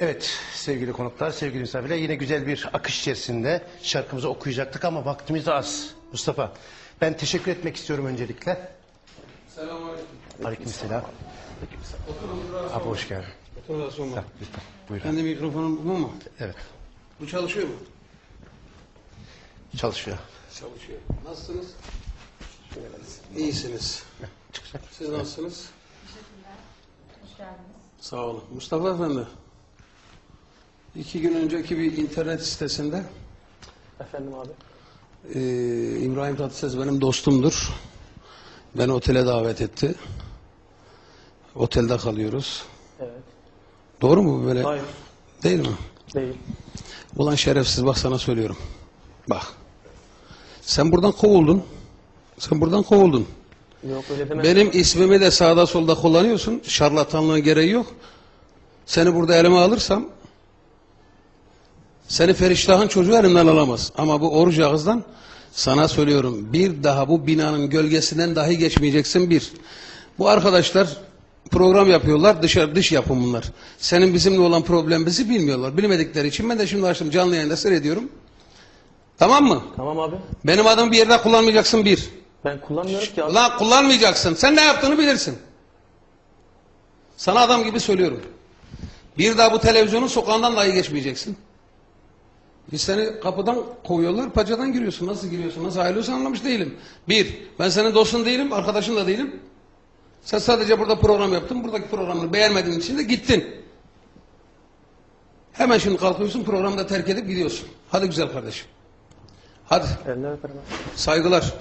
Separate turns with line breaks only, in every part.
Evet sevgili konuklar, sevgili misafirler, yine güzel bir akış içerisinde şarkımızı okuyacaktık ama vaktimiz az. Mustafa, ben teşekkür etmek istiyorum öncelikle.
Selamünaleyküm.
Aleykümselam. Abi hoş geldin.
Otur da sonra.
Lütfen buyurun.
Kendi mikrofonum bu mu?
Evet,
Bu çalışıyor mu?
çalışıyor.
Çalışıyor. Nasılsınız? İyisiniz. Siz nasılsınız?
Hoş geldiniz.
Sağ olun. Mustafa Efendi. 2 gün önceki bir internet sitesinde
Efendim abi.
İbrahim Tatlıses benim dostumdur. Beni otele davet etti. Otelde kalıyoruz.
Evet.
Doğru mu bu böyle?
Hayır.
Değil mi?
Değil.
Ulan şerefsiz, bak sana söylüyorum. Bak. Sen buradan kovuldun. Sen buradan kovuldun.
Yok öyle deme.
Benim ismimi de sağda solda kullanıyorsun. Şarlatanlığın gereği yok. Seni burada elime alırsam seni Feriştah'ın çocuğu elimden alamaz. Ama bu oruç ağızdan sana söylüyorum. Bir daha bu binanın gölgesinden dahi geçmeyeceksin bir. Bu arkadaşlar program yapıyorlar. Dış yapım bunlar. Senin bizimle olan problemimizi bilmiyorlar. Bilmedikleri için ben de şimdi açtım canlı yayında seyrediyorum. Tamam mı?
Tamam abi.
Benim adımı bir yerde kullanmayacaksın bir.
Ben kullanmıyorum ki abi.
Ulan kullanmayacaksın. Sen ne yaptığını bilirsin. Sana adam gibi söylüyorum. Bir daha bu televizyonun sokağından dahi geçmeyeceksin. Biz seni kapıdan kovuyorlar, paçadan giriyorsun. Nasıl giriyorsun, nasıl ayrılıyorsun anlamış değilim. Bir, ben senin dostun değilim, arkadaşın da değilim. Sen sadece burada program yaptın, buradaki programını beğenmediğin için de gittin. Hemen şimdi kalkıyorsun, programı da terk edip gidiyorsun. Hadi güzel kardeşim. Hadi.
Eline öperim abi.
Saygılar.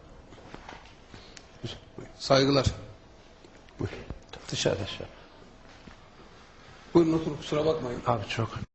Saygılar.
Dışarıda şu.
Buyurun oturun, kusura bakmayın.
Abi çok.